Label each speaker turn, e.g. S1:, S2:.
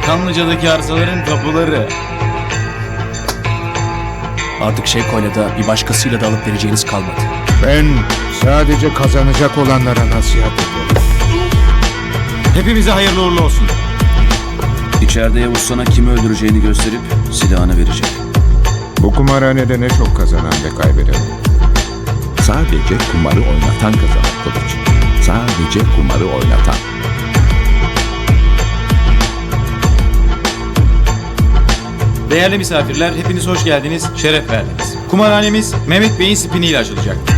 S1: Kanlıca'daki arsaların tapuları.
S2: Artık Şevko'yla da bir başkasıyla da alıp vereceğiniz kalmadı.
S3: Ben sadece kazanacak olanlara nasihat ederim.
S1: Hepimize hayırlı uğurlu olsun.
S4: İçeride Yavuz sana kimi öldüreceğini gösterip silahını verecek.
S3: Bu kumarhanede ne çok kazanan ve kaybeden olur.
S5: Sadece kumarı oynatan kazanır Kılıç. Sadece kumarı oynatan.
S1: Değerli misafirler, hepiniz hoş geldiniz, şeref verdiniz. Kumarhanemiz Mehmet Bey'in spiniyle açılacak.